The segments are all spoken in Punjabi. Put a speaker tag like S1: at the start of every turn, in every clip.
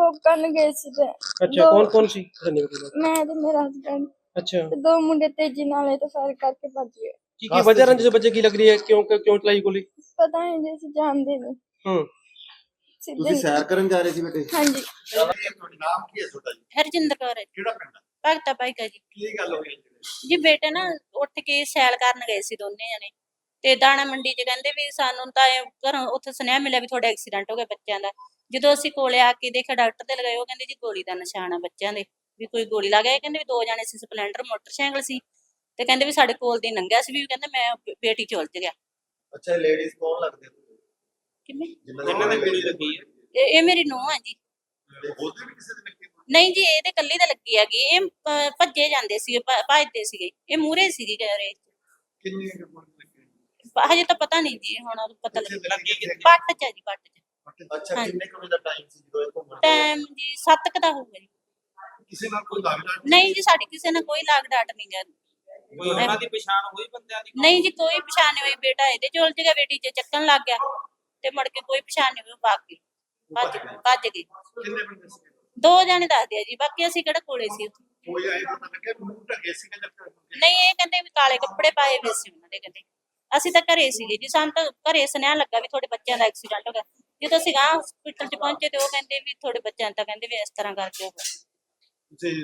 S1: जॉब करन गए सी ते
S2: अच्छा
S1: दो
S2: कौन कौन सी धन्य
S1: मैं ते मेरा हस्बैंड
S2: अच्छा
S1: ते दो मुंडे तेजी नाल तो फायर करके भज गए।
S2: की वजह रंजिश बच्चे की लग रही है क्यों क्यों चलाई गोली
S1: पता नहीं जी असीं जानदे नहीं
S2: हम्म
S1: सीधे
S3: ਤੁਸੀਂ ਸੈਰ ਕਰਨ ਜਾ ਰਹੇ ਸੀ ਬੇਟੇ?
S1: हाँ जी
S3: ਤੁਹਾਡਾ ਨਾਮ ਕੀ ਹੈ ਤੁਹਾਡਾ ਜੀ?
S4: ਹਰਜਿੰਦਰ ਕੌਰ ਹੈ ਜੀ,
S3: ਕਿਹੜਾ ਪਿੰਡ ਹੈ?
S4: ਭਗਤਾ ਭਾਈਕਾ ਜੀ।
S3: ਕੀ ਗੱਲ ਹੋਈ
S4: ਜੀ ਬੇਟੇ ਨਾ ਉੱਠ ਕੇ ਸੈਲ ਕਰਨ ਗਏ ਸੀ ਦੋਨੇ ਜਣੇ ਤੇ ਦਾਣਾ ਮੰਡੀ 'ਚ ਕਹਿੰਦੇ ਵੀ ਸਾਨੂੰ ਤਾਂ ਘਰੋਂ ਉੱਥੇ ਸੁਨੇਹਾ ਮਿਲਿਆ ਵੀ ਤੁਹਾਡਾ ਐਕਸੀਡੈਂਟ ਹੋ ਗਿਆ ਬੱਚਿਆਂ ਦਾ। ਜਦੋਂ ਅਸੀਂ ਕੋਲੇ ਆ ਕੇ ਦੇਖਿਆ ਡਾਕਟਰ ਤੇ ਲਗਾਏ, ਉਹ ਕਹਿੰਦੇ ਜੀ ਗੋਲੀ ਦਾ ਨਿਸ਼ਾਨ ਆ ਬੱਚਿਆਂ ਦੇ, ਵੀ ਕੋਈ ਗੋਲੀ ਲੱਗ ਗਈ। ਕਹਿੰਦੇ ਵੀ ਦੋ ਜਾਣੇ ਸੀ, ਸਪਲੈਂਡਰ ਮੋਟਰਸਾਈਕਲ ਸੀ ਤੇ ਕਹਿੰਦੇ ਵੀ ਸਾਡੇ ਕੋਲ ਦੀ ਲੰਘਿਆ ਸੀ, ਵੀ ਕਹਿੰਦੇ ਮੈਂ ਬੇਟੀ ਚ ਉਲਝ ਗਿਆ।
S3: ਅੱਛਾ ਲੇਡੀਜ਼ ਕੌਣ ਲੱਗਦੇ
S4: ਕਿਵੇਂ?
S3: ਜਿਨ੍ਹਾਂ ਦੇ ਗੋਲੀ ਲੱਗੀ ਹੈ?
S4: ਇਹ ਮੇਰੀ ਨੂੰਹ ਆ ਜੀ।
S3: ਉਹਦੇ ਵੀ ਕਿਸੇ ਦੇ ਲੱਗੀ?
S4: ਨਹੀਂ ਜੀ ਇਹਦੇ ਕੱਲੀ ਦਾ ਲੱਗੀ ਹੈਗੀ। ਇਹ ਭੱਜੇ ਜਾਂਦੇ ਸੀਗੇ, ਭੱਜਦੇ ਸੀਗੇ, ਇਹ ਮੂਹਰੇ ਸੀਗੀ ਗੈਰੇਜ ਚ।
S3: ਕਿੰਨੀ ਗੋਲੀ ਲੱਗੀ?
S4: ਹਜੇ ਤਾਂ ਪਤਾ ਨਹੀਂ ਜੀ, ਹੁਣ ਪਤਾ
S3: ਕਿੱਥੇ
S4: ਲੱਗ
S3: ਲੱਗੀ ਕਿੱਥੇ?
S4: ਪੱਟ ਚ ਆ ਜੀ, ਪੱਟ ਚ।
S3: ਅੱਛਾ
S4: ਹਾਂਜੀ।
S3: ਕਿੰਨੇ ਕੁ ਵਜੇ ਦਾ ਟਾਈਮ ਸੀ ਜਦੋਂ ਇਹ ਘੁੰਮਣ ਗਏ?
S4: ਟਾਈਮ ਜੀ 7 ਕੁ ਦਾ ਹੋਊਗਾ ਜੀ।
S3: ਕਿਸੇ ਨਾਲ ਕੋਈ ਲੱਗਦਾ
S4: ਨਹੀਂ ਜੀ ਸਾਡੀ ਕਿਸੇ ਨਾਲ ਕੋਈ ਲਾਗ ਡਾਟ ਨਹੀਂ ਗਾ।
S5: ਕੋਈ ਉਹਨਾਂ ਦੀ ਪਛਾਣ ਹੋਈ ਬੰਦਿਆਂ ਦੀ?
S4: ਨਹੀਂ ਜੀ ਕੋਈ ਪਛਾਣ ਨਹੀਂ ਹੋਈ। ਬੇਟਾ ਇਹਦੇ ਚ ਉਲਝ ਗਿਆ, ਬੇਟੀ ਚ ਚੱਕਣ ਲੱਗ ਗਿਆ ਤੇ ਮੁੜ ਕੇ ਕੋਈ ਪਛਾਣ ਨਹੀਂ ਹੋਈ, ਭੱਜ ਗਈ। ਭੱਜ ਗਈ।
S3: ਕਿੰਨੇ ਬੰਦੇ ਸੀ?
S4: ਦੋ ਜਾਣੇ ਦੱਸਦੇ ਆ ਜੀ, ਬਾਕੀ ਅਸੀਂ ਕਿਹੜਾ ਕੋਲੇ ਸੀ ਉੱਥੇ।
S3: ਕੋਈ ਆਏ ਪਤਾ ਲੱਗਿਆ ਮੂੰਹ ਢੱਕੇ ਸੀ ਕਿ
S4: ਨਹੀਂ ਇਹ ਕਹਿੰਦੇ ਵੀ ਕਾਲੇ ਕੱਪੜੇ ਪਾਏ ਹੋਏ ਸੀ ਉਹਨਾਂ ਦੇ। ਕਹਿੰਦੇ ਅਸੀਂ ਤਾਂ ਘਰੇ ਸੀਗੇ ਜੀ, ਸਾਨੂੰ ਤਾਂ ਘਰੇ ਸੁਨੇਹਾ ਲੱਗਾ ਵੀ ਤੁਹਾਡੇ ਬੱਚਿਆਂ ਦਾ ਐਕਸੀਡੈਂਟ ਹੋ ਗਿਆ। ਜਦੋਂ ਅਸੀਂ ਗਾਂ ਹਸਪੀਟਲ ਚ ਪਹੁੰਚੇ ਤੇ ਉਹ ਕਹਿੰਦੇ ਵੀ ਤੁਹਾਡੇ ਬੱਚਿਆਂ ਤਾਂ ਕਹਿੰਦੇ ਵੀ ਇਸ ਤਰ੍ਹਾਂ ਕਰਕੇ ਹੋ ਗਿਆ।
S3: ਤੁਸੀਂ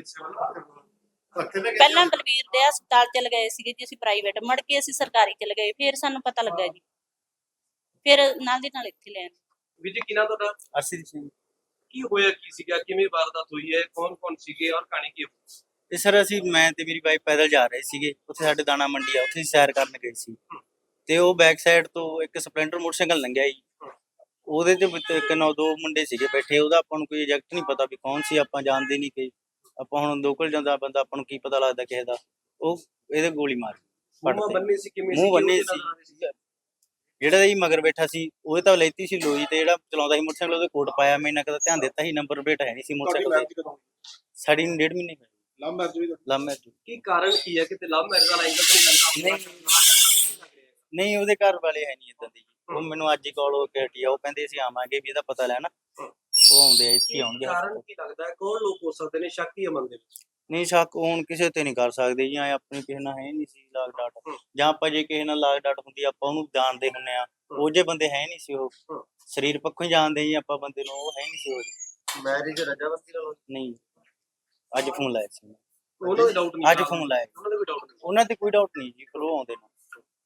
S4: ਪਹਿਲਾਂ ਬਲਵੀਰ ਦੇ ਹਸਪਤਾਲ ਚ ਲਗਾਏ ਸੀਗੇ ਜੀ ਅਸੀਂ ਪ੍ਰਾਈਵੇਟ, ਮੁੜ ਕੇ ਅਸੀਂ ਸਰਕਾਰੀ ਚ ਲਗਾਏ, ਫਿਰ ਸਾਨੂੰ ਪਤਾ ਲੱਗਾ ਜੀ, ਫਿਰ ਨਾਲ ਦੀ ਨਾਲ ਇੱਥੇ ਲੈ ਆਏ।
S2: ਵੀਰ ਜੀ ਕਿਹਨਾਂ ਤੁਹਾਡਾ?
S6: ਅਰਸ਼ਦੀਪ ਸਿੰਘ।
S2: ਕੀ ਹੋਇਆ ਕੀ ਸੀਗਾ, ਕਿਵੇਂ ਵਾਰਦਾਤ ਹੋਈ ਹੈ, ਕੌਣ ਕੌਣ ਸੀਗੇ ਔਰ ਕਹਾਣੀ ਕੀ ਹੋਈ?
S6: ਤੇ ਸਰ ਅਸੀਂ ਮੈਂ ਤੇ ਮੇਰੀ ਵਾਈਫ ਪੈਦਲ ਜਾ ਰਹੇ ਸੀਗੇ, ਉੱਥੇ ਸਾਡੇ ਦਾਣਾ ਮੰਡੀ ਆ, ਉੱਥੇ ਅਸੀਂ ਸੈਰ ਕਰਨ ਗਏ ਸੀ ਤੇ ਉਹ ਬੈਕ ਸਾਈਡ ਤੋਂ ਇੱਕ ਸਪਲੈਂਡਰ ਮੋਟਰਸਾਈਕਲ ਲੰਘਿਆ ਜੀ। ਉਹਦੇ ਤੇ ਇੱਕ ਨੌ ਦੋ ਮੁੰਡੇ ਸੀਗੇ ਬੈਠੇ, ਉਹਦਾ ਆਪਾਂ ਨੂੰ ਕੋਈ ਐਗਜ਼ੈਕਟ ਨਹੀਂ ਪਤਾ ਵੀ ਕੌਣ ਸੀ, ਆਪਾਂ ਜਾਣਦੇ ਨਹੀਂ ਕਿ ਆਪਾਂ ਹੁਣ ਲੋਕਲ ਜਾਂਦਾ ਬੰਦਾ ਆਪਾਂ ਨੂੰ ਕੀ ਪਤਾ ਲੱਗਦਾ ਕਿਸੇ ਦਾ। ਉਹ ਇਹਦੇ ਗੋਲੀ ਮਾਰ
S2: ਮੂੰਹ ਬੰਨੇ ਸੀ ਕਿਵੇਂ?
S6: ਮੂੰਹ ਬੰਨੇ ਸੀ। ਜਿਹੜਾ ਜੀ ਮਗਰ ਬੈਠਾ ਸੀ ਉਹਦੇ ਤਾਂ ਲੈਤੀ ਸੀ ਲੋਈ, ਤੇ ਜਿਹੜਾ ਚਲਾਉਂਦਾ ਸੀ ਮੋਟਰਸਾਈਕਲ ਉਹਦੇ ਕੋਟ ਪਾਇਆ। ਮੈਂ ਇਹਨਾਂ ਕਦਾ ਧਿਆਨ ਦਿੱਤਾ ਸੀ, ਨੰਬਰ ਪਲੇਟ ਹੈ ਨਹੀਂ ਸੀ ਮੋਟਰਸਾਈਕਲ ਤੇ। ਸਾਡੀ ਨੂੰ 1.5 ਮਹੀਨੇ ਹੋਏ।
S3: ਲਵ ਮੈਰਿਜ ਵੀ?
S6: Love marriage.
S2: ਕੀ ਕਾਰਨ ਕੀ ਹੈ? ਕਿਤੇ ਲਵ ਮੈਰਿਜ ਦਾ ਐਂਗਲ ਤਾਂ ਨਹੀਂ ਲੱਗਦਾ?
S6: ਨਹੀਂ ਉਹਦੇ ਘਰ ਵਾਲੇ ਹੈ ਨਹੀਂ ਇਦਾਂ ਦੇ ਜੀ। ਉਹ ਮੈਨੂੰ ਅੱਜ ਹੀ ਕਾਲ ਹੋ ਕੇ ਹਟੀ ਆ, ਉਹ ਕਹਿੰਦੇ ਅਸੀਂ ਆਵਾਂਗੇ ਵੀ ਇਹਦਾ ਪਤਾ ਲੈਣਾ। ਉਹ ਆਉਂਦੇ ਆ, ਇੱਥੇ ਆਉਣਗੇ।
S2: ਕਾਰਨ ਕੀ ਲੱਗਦਾ ਹੈ, ਕੌਣ ਲੋਕ ਹੋ ਸਕਦੇ ਨੇ? ਸ਼ੱਕ ਹੀ ਮਨ ਦੇ ਵਿੱਚ?
S6: ਨਹੀਂ ਸ਼ੱਕ ਹੁਣ ਕਿਸੇ ਤੇ ਨਹੀਂ ਕਰ ਸਕਦੇ ਜੀ, ਆਪਣੀ ਕਿਸੇ ਨਾਲ ਹੈ ਨਹੀਂ ਸੀ ਲਾਗ ਡਾਟ, ਜਾਂ ਆਪਾਂ ਜੇ ਕਿਸੇ ਨਾਲ ਲਾਗ ਡਾਟ ਹੁੰਦੀ ਆਪਾਂ ਉਹਨੂੰ ਜਾਣਦੇ ਹੁੰਨੇ ਆ। ਉਹ ਜੇ ਬੰਦੇ ਹੈ ਨਹੀਂ ਸੀ, ਉਹ ਸਰੀਰ ਪੱਖੋਂ ਹੀ ਜਾਣਦੇ ਜੀ ਆਪਾਂ ਬੰਦੇ ਨੂੰ, ਉਹ ਹੈ ਨਹੀਂ ਸੀ ਉਹ।
S3: ਮੈਰਿਜ ਰਜਾਮੰਦੀ ਨਾਲ?
S6: ਨਹੀਂ ਅੱਜ ਫੋਨ ਲਾਇਆ ਸੀ
S2: ਉਹਨਾਂ ਦੇ ਡਾਊਟ ਨਹੀਂ?
S6: ਅੱਜ ਫੋਨ ਲਾਇਆ।
S2: ਉਹਨਾਂ ਦੇ ਵੀ ਡਾਊਟ ਨਹੀਂ?
S6: ਉਹਨਾਂ ਤੇ ਕੋਈ ਡਾਊਟ ਨਹੀਂ ਜੀ, ਕੋਲ ਆਉਂਦੇ ਨੇ।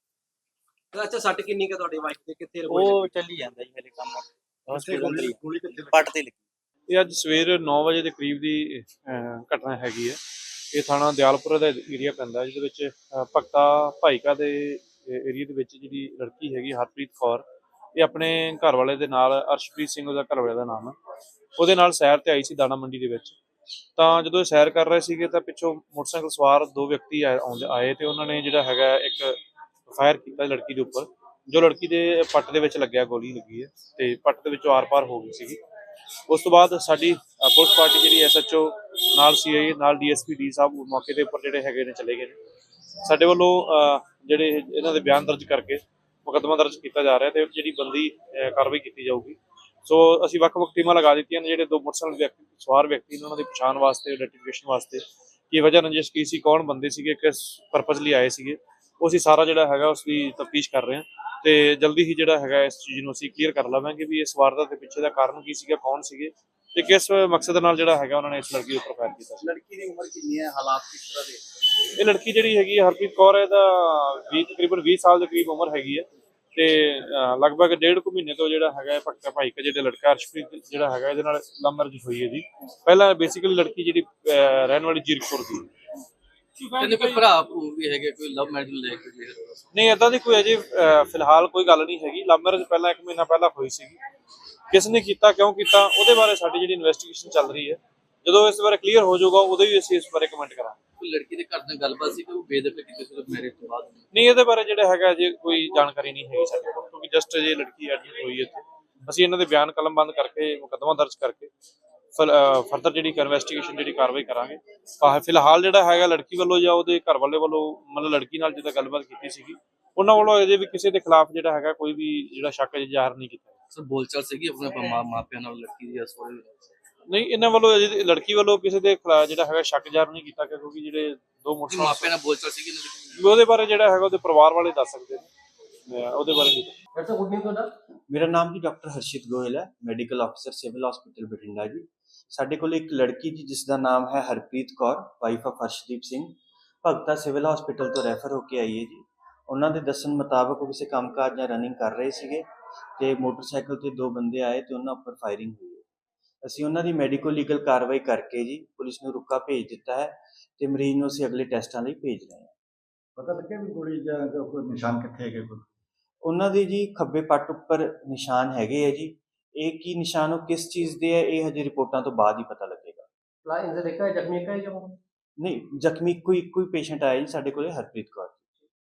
S2: ਅੱਛਾ ਸੱਟ ਕਿੰਨੀ ਕੁ ਤੁਹਾਡੀ ਵਾਈਫ ਦੇ, ਕਿੱਥੇ
S6: ਉਹ ਚੱਲੀ ਜਾਂਦਾ ਜੀ ਹਲੇ ਕੰਮ, ਹਸਪੀਟਲ ਅੰਦਰ ਹੀ
S3: ਗੋਲੀ ਕਿੱਥੇ ਲੱਗੀ?
S6: ਪੱਟ ਤੇ ਲੱਗੀ।
S7: ਇਹ ਅੱਜ ਸਵੇਰ 9 ਵਜੇ ਦੇ ਕਰੀਬ ਦੀ ਘਟਨਾ ਹੈਗੀ ਹੈ। ਇਹ ਥਾਣਾ ਦਿਆਲਪੁਰ ਦਾ ਏਰੀਆ ਪੈਂਦਾ, ਜਿਹਦੇ ਵਿੱਚ ਭਗਤਾ ਭਾਈਕਾ ਦੇ ਏਰੀਆ ਦੇ ਵਿੱਚ ਜਿਹੜੀ ਲੜਕੀ ਹੈਗੀ ਹਰਪ੍ਰੀਤ ਕੌਰ, ਇਹ ਆਪਣੇ ਘਰ ਵਾਲੇ ਦੇ ਨਾਲ, ਅਰਸ਼ਪ੍ਰੀਤ ਸਿੰਘ ਉਹਦਾ ਘਰ ਵਾਲੇ ਦਾ ਨਾਮ ਹੈ, ਉਹਦੇ ਨਾਲ ਸੈਰ ਤੇ ਆਈ ਸੀ ਦਾਣਾ ਮੰਡੀ ਦੇ ਵਿੱਚ। ਤਾਂ ਜਦੋਂ ਇਹ ਸੈਰ ਕਰ ਰਹੇ ਸੀਗੇ ਤਾਂ ਪਿੱਛੋਂ ਮੋਟਰਸਾਈਕਲ ਸਵਾਰ ਦੋ ਵਿਅਕਤੀ ਆਏ ਤੇ ਉਹਨਾਂ ਨੇ ਜਿਹੜਾ ਹੈਗਾ ਇੱਕ ਫਾਇਰ ਕੀਤਾ ਲੜਕੀ ਦੇ ਉੱਪਰ, ਜੋ ਲੜਕੀ ਦੇ ਪੱਟ ਦੇ ਵਿੱਚ ਲੱਗਿਆ, ਗੋਲੀ ਲੱਗੀ ਹੈ ਤੇ ਪੱਟ ਦੇ ਵਿੱਚੋਂ ਆਰ-ਪਾਰ ਹੋ ਗਈ ਸੀਗੀ। ਉਸ ਤੋਂ ਬਾਅਦ ਸਾਡੀ ਪੁਲਿਸ ਪਾਰਟੀ ਜਿਹੜੀ SHO ਨਾਲ CI ਨਾਲ DSP ਡੀ ਸਾਹਿਬ ਮੌਕੇ ਦੇ ਉੱਪਰ ਜਿਹੜੇ ਹੈਗੇ ਨੇ ਚਲੇ ਗਏ ਨੇ। ਸਾਡੇ ਵੱਲੋਂ ਜਿਹੜੇ ਇਹਨਾਂ ਦੇ ਬਿਆਨ ਦਰਜ ਕਰਕੇ ਮੁਕੱਦਮਾ ਦਰਜ ਕੀਤਾ ਜਾ ਰਿਹਾ ਤੇ ਜਿਹੜੀ ਬੰਦੀ ਕਾਰਵਾਈ ਕੀਤੀ ਜਾਊਗੀ। ਸੋ ਅਸੀਂ ਵੱਖ-ਵੱਖ ਟੀਮਾਂ ਲਗਾ ਦਿੱਤੀਆਂ ਨੇ, ਜਿਹੜੇ ਦੋ ਮੋਟਰਸਾਈਕਲ ਸਵਾਰ ਵਿਅਕਤੀ ਨੇ ਉਹਨਾਂ ਦੀ ਪਛਾਣ ਵਾਸਤੇ, ਆਈਡੈਂਟੀਫਿਕੇਸ਼ਨ ਵਾਸਤੇ, ਕੀ ਵਜ੍ਹਾ ਰੰਜਿਸ਼ ਕੀ ਸੀ, ਕੌਣ ਬੰਦੇ ਸੀਗੇ, ਕਿਸ ਪਰਪਸ ਲਈ ਆਏ ਸੀਗੇ, ਉਹ ਅਸੀਂ ਸਾਰਾ ਜਿਹੜਾ ਹੈਗਾ ਉਸ ਦੀ ਤਫਤੀਸ਼ ਕਰ ਰਹੇ ਹਾਂ ਤੇ ਜਲਦੀ ਹੀ ਜਿਹੜਾ ਹੈਗਾ ਇਸ ਚੀਜ਼ ਨੂੰ ਅਸੀਂ ਕਲੀਅਰ ਕਰ ਲਵਾਂਗੇ ਵੀ ਇਸ ਵਾਰਦਾਤ ਦੇ ਪਿੱਛੇ ਦਾ ਕਾਰਨ ਕੀ ਸੀਗਾ, ਕੌਣ ਸੀਗੇ ਤੇ ਕਿਸ ਮਕਸਦ ਨਾਲ ਜਿਹੜਾ ਹੈਗਾ ਉਹਨਾਂ ਨੇ ਇਸ ਲੜਕੀ ਉੱਪਰ ਫਾਇਰ ਕੀਤਾ ਸੀ।
S3: ਲੜਕੀ ਦੀ ਉਮਰ ਕਿੰਨੀ ਹੈ, ਹਾਲਾਤ ਕਿਸ ਤਰ੍ਹਾਂ ਦੇ?
S7: ਇਹ ਲੜਕੀ ਜਿਹੜੀ ਹੈਗੀ ਹਰਪ੍ਰੀਤ ਕੌਰ ਹੈ, ਇਹਦਾ ਤਕਰੀਬਨ 20 ਸਾਲ ਦੇ ਕਰੀਬ ਉਮਰ ਹੈਗੀ ਹੈ ਤੇ ਲਗਭਗ 1.5 ਮਹੀਨੇ ਤੋਂ ਜਿਹੜਾ ਹੈਗਾ ਭਗਤਾ ਭਾਈਕਾ ਜਿਹੜੇ ਲੜਕਾ ਅਰਸ਼ਪ੍ਰੀਤ ਜਿਹੜਾ ਹੈਗਾ ਇਹਦੇ ਨਾਲ ਲਵ ਮੈਰਿਜ ਹੋਈ ਹੈ ਜੀ। ਪਹਿਲਾਂ ਬੇਸਿਕਲੀ ਲੜਕੀ ਜਿਹੜੀ ਰਹਿਣ ਵਾਲੀ ਜੀਰਕਪੁਰ ਦੀ।
S5: ਇਹਨੇ ਕੋਈ ਭਰਾ ਵੀ ਹੈਗੇ, ਕੋਈ ਲਵ ਮੈਰਿਜ ਲੈ ਕੇ?
S7: ਨਹੀਂ ਏਦਾਂ ਦੀ ਕੋਈ ਅਜੇ ਫਿਲਹਾਲ ਕੋਈ ਗੱਲ ਨਹੀਂ ਹੈਗੀ। ਲਵ ਮੈਰਿਜ ਪਹਿਲਾਂ 1 ਮਹੀਨਾ ਪਹਿਲਾਂ ਹੋਈ ਸੀਗੀ, ਕਿਸ ਨੇ ਕੀਤਾ, ਕਿਉਂ ਕੀਤਾ, ਉਹਦੇ ਬਾਰੇ ਸਾਡੀ ਜਿਹੜੀ ਇਨਵੈਸਟੀਗੇਸ਼ਨ ਚੱਲ ਰਹੀ ਹੈ। ਜਦੋਂ ਇਸ ਬਾਰੇ ਕਲੀਅਰ ਹੋ ਜਾਊਗਾ ਉਦੋਂ ਹੀ ਅਸੀਂ ਇਸ ਬਾਰੇ ਕਮੈਂਟ ਕਰਾਂਗੇ।
S5: ਕੋਈ ਲੜਕੀ ਦੇ ਘਰ ਨਾਲ ਗੱਲਬਾਤ ਸੀ ਕਿ ਉਹ ਬੇਦਖਲ ਕੀਤੀ ਸੀ ਮੈਰਿਜ ਤੋਂ ਬਾਅਦ?
S7: ਨਹੀਂ ਇਹਦੇ ਬਾਰੇ ਜਿਹੜਾ ਹੈਗਾ ਜੇ ਕੋਈ ਜਾਣਕਾਰੀ ਨਹੀਂ ਹੈਗੀ ਸਾਡੇ ਕੋਲ, ਕਿਉਂਕਿ ਜਸਟ ਜੇ ਲੜਕੀ ਐਡਮਿਟ ਹੋਈ ਹੈ ਇੱਥੇ। ਅਸੀਂ ਇਹਨਾਂ ਦੇ ਬਿਆਨ ਕਲਮਬੰਦ ਕਰਕੇ ਮੁਕੱਦਮਾ ਦਰਜ ਕਰਕੇ ਫਰਦਰ ਜਿਹੜੀ ਇਨਵੈਸਟੀਗੇਸ਼ਨ ਜਿਹੜੀ ਕਾਰਵਾਈ ਕਰਾਂਗੇ। ਫਿਲਹਾਲ ਜਿਹੜਾ ਹੈਗਾ ਲੜਕੀ ਵੱਲੋਂ ਜਾਂ ਉਹਦੇ ਘਰ ਵਾਲੇ ਵੱਲੋਂ ਮਤਲਬ ਲੜਕੀ ਨਾਲ ਜਿੱਦਾਂ ਗੱਲਬਾਤ ਕੀਤੀ ਸੀਗੀ, ਉਹਨਾਂ ਵੱਲੋਂ ਅਜੇ ਵੀ ਕਿਸੇ ਦੇ ਖਿਲਾਫ ਜਿਹੜਾ ਹੈਗਾ ਕੋਈ ਵੀ ਜਿਹੜਾ ਸ਼ੱਕ ਜ਼ਾਹਰ ਨਹੀਂ ਕੀਤਾ।
S5: ਸਰ ਬੋਲਚਾਲ ਸੀਗੀ ਆਪਣੇ ਮਾਪਿਆਂ ਨਾਲ ਲੜਕੀ ਦੀ?
S7: ਨਹੀਂ ਇਹਨਾਂ ਵੱਲੋਂ ਅਜੇ ਲੜਕੀ ਵੱਲੋਂ ਕਿਸੇ ਦੇ ਖਿਲਾਫ ਜਿਹੜਾ ਹੈਗਾ ਸ਼ੱਕ ਜ਼ਾਹਰ ਨਹੀਂ ਕੀਤਾ ਗਿਆ, ਕਿਉਂਕਿ ਜਿਹੜੇ ਦੋ
S5: ਕਿ
S7: ਮੋਟਰਸਾਈਕਲ
S5: ਮਾਪਿਆਂ ਨਾਲ ਬੋਲਚਾਲ ਸੀਗੀ ਇਹਨਾਂ ਦੀ।
S7: ਉਹਦੇ ਬਾਰੇ ਜਿਹੜਾ ਹੈਗਾ ਉਹਦੇ ਪਰਿਵਾਰ ਵਾਲੇ ਦੱਸ ਸਕਦੇ ਨੇ, ਮੈਂ ਉਹਦੇ ਬਾਰੇ ਨਹੀਂ।
S2: ਡਾਕਟਰ ਸਾਹਿਬ ਗੁੱਡ ਨਿਊਜ਼ ਤੁਹਾਡਾ।
S8: ਮੇਰਾ ਨਾਮ ਜੀ ਡਾਕਟਰ ਹਰਸ਼ਿਤ ਗੋਇਲ ਹੈ, ਮੈਡੀਕਲ ਅਫਸਰ ਸਿਵਲ ਹਸਪੀਟਲ ਬਠਿੰਡਾ ਜੀ। ਸਾਡੇ ਕੋਲ ਇੱਕ ਲੜਕੀ ਜੀ ਜਿਸ ਦਾ ਨਾਮ ਹੈ Harpreet Kaur, wife of Harshdeep Singh, Bhagta civil hospital ਤੋਂ ਰੈਫਰ ਹੋ ਕੇ ਆਈ ਹੈ ਜੀ। ਉਹਨਾਂ ਦੇ ਦੱਸਣ ਮੁਤਾਬਕ ਉਹ ਕਿਸੇ ਕੰਮਕਾਜ ਜਾਂ ਰਨਿੰਗ ਕਰ ਰਹੇ ਸੀਗੇ ਤੇ ਮੋਟਰਸਾਈਕਲ ਤੇ ਦੋ ਬੰਦੇ ਆਏ ਤੇ ਉਹਨਾਂ ਉੱਪਰ ਫਾਇਰਿੰਗ ਹੋਈ ਹੈ। ਅਸੀਂ ਉਹਨਾਂ ਦੀ ਮੈਡੀਕੋ ਲੀਗਲ ਕਾਰਵਾਈ ਕਰਕੇ ਜੀ ਪੁਲਿਸ ਨੂੰ ਰੁਕਾ ਭੇਜ ਦਿੱਤਾ ਹੈ ਤੇ ਮਰੀਜ਼ ਨੂੰ ਅਸੀਂ ਅਗਲੇ ਟੈਸਟਾਂ ਲਈ ਭੇਜ ਰਹੇ ਹਾਂ।
S3: ਪਤਾ ਲੱਗਿਆ ਵੀ ਗੋਲੀ ਜਾਂ ਕੋਈ ਨਿਸ਼ਾਨ ਕਿੱਥੇ ਹੈਗੇ ਕੋਈ?
S8: ਉਹਨਾਂ ਦੇ ਜੀ ਖੱਬੇ ਪੱਟ ਉੱਪਰ ਨਿਸ਼ਾਨ ਹੈਗੇ ਆ ਜੀ। ਇਹ ਕੀ ਨਿਸ਼ਾਨ ਉਹ ਕਿਸ ਚੀਜ਼ ਦੇ ਹੈ ਇਹ ਹਜੇ ਰਿਪੋਰਟਾਂ ਤੋਂ ਬਾਅਦ ਹੀ ਪਤਾ ਲੱਗੇਗਾ।
S2: ਲਾ ਇੰਜਰ ਦੇਖਾ ਹੈ, ਜ਼ਖਮੀ ਹੈ ਜਾਂ
S8: ਨਹੀਂ, ਜ਼ਖਮੀ ਇੱਕੋ ਹੀ ਪੇਸ਼ੈਂਟ ਆਇਆ ਜੀ ਸਾਡੇ ਕੋਲੇ, ਹਰਪ੍ਰੀਤ ਕੌਰ।